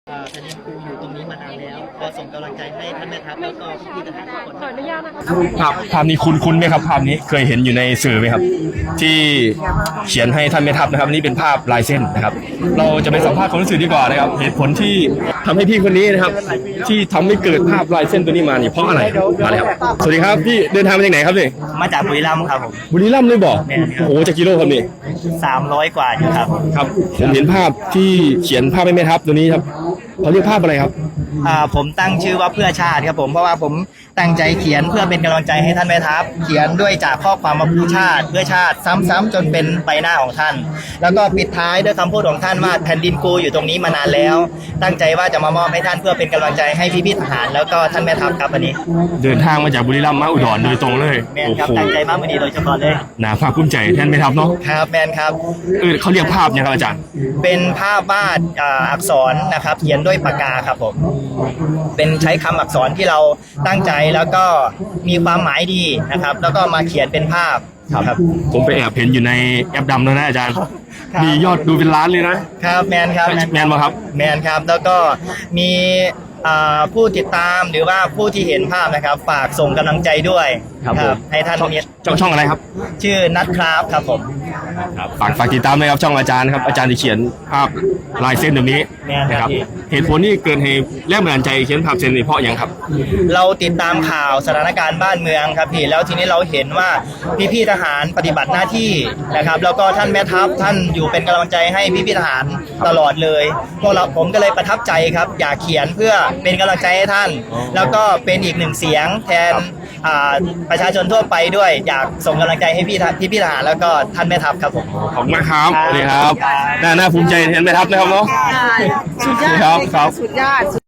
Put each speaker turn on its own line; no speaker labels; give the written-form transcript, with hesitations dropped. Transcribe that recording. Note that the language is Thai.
ท่านยังครูอยู่ตรงนี้มานานแล้วก็ส่งกำลังใจให้ท่านแม่ทัพแล้วก็พี่ทหารทุกคน
ขออนุญาตนะคะ
ภาพนี้คุ้นไหมครับภาพนี้เคยเห็นอยู่ในสื่อไหมครับ ที่เขียนให้ท่านแม่ทัพนะครับนี่เป็นภาพลายเส้นนะครับ เราจะไปสัมภาษณ์คนรู้สึกดีกว่านะครับเหตุผลที่ทำให้พี่คนนี้นะครับ ที่ทำให้เกิดภาพลายเส้นตัวนี้มานี่เพราะอะไรมาเลยครับสวัสดีครับพี่เดินทางมาจากไหนครับนี่
มาจากบุรีรัมย์ครับผม
บุรีรัมย์เลยบอกโอ้โหจากกิโลครับนี่
300 กว่าอยู่ครับ
ครับผมเห็นภาพที่เขียนภาพให้แม่ทัพตัวนี้ครับเขาเรียกภาพอะไรครับ
ผมตั้งชื่อว่าเพื่อชาติครับผมเพราะว่าผมตั้งใจเขียนเพื่อเป็นกำลังใจให้ท่านแม่ทัพเขียนด้วยจากข้อความว่าเพื่อชาติซ้ำๆจนเป็นใบหน้าของท่าน แล้วก็ปิดท้ายด้วยคำพูดของท่านว่าแผ่นดินกูอยู่ตรงนี้มานานแล้ว ตั้งใจว่าจะมามอบให้ท่านเพื่อเป็นกำลังใจให้พี่ๆทหารแล้วก็ท่านแม่ทัพครับวันนี้
เดินทางมาจากบุรีรัมย์มาอุดรโดยตรงเลย
แมน
โอ้
ครับ
โห
ตั้งใจมากวันนี้โดยเฉพาะเลย
น่าภาคภูมิใจแทนแม่ทัพเนาะ
ครับแมนครับ
เขาเรียกภาพเนี่ยครับอาจารย์
เป็นภาพวาดอักษรนะครับเขียนด้วยปากกาครับผมเป็นใช้คำอักษรที่เราตั้งใจแล้วก็มีความหมายดีนะครับแล้วก็มาเขียนเป็นภาพครับ
ผมไปแอบเห็นอยู่ในแอปดำแล้วนะอาจารย์
ครับ
มียอดดูเป็นล้านเลยนะครับ
แมนครับ
แมนบ่ครับ
แมนครับแล้วก็มีผู้ติดตามหรือว่าผู้ที่เห็นภาพนะครับฝากส่งกำลังใจด้วย
ครับผม
ให้ท่าน
ช่องอะไรครับ
ชื่อนัทครับครับผม
ฝากติดตามเลยครับช่องอาจารย์ครับอาจารย์ที่เขียนภาพลายเส้นแบบนี้
แม่นครับ
นะครับ
พี่
เหตุผลที่เกิดเหตุแรงบันดาลใจเขียนภาพเส้นนี้เพราะอย่างครับ
เราติดตามข่าวสถานการณ์บ้านเมืองครับพี่แล้วทีนี้เราเห็นว่าพี่ๆทหารปฏิบัติหน้าที่นะครับแล้วก็ท่านแม่ทัพท่านอยู่เป็นกำลังใจให้พี่ๆทหารตลอดเลยพวกเราผมก็เลยประทับใจครับอยากเขียนเพื่อเป็นกำลังใจให้ท่าน แล้วก็เป็นอีกหนึ่งเสียงแทนประชาชนทั่วไปด้วยอยากส่งกำลังใจให้พี่ทหารแล้วก็ท่านแม่ทัพครับผม
ขอบคุณมากครับสวัสดีครับน่าภูมิใจแทนแม่ทัพนะครับเนาะ
สุดยอด
ครับ
สุดยอด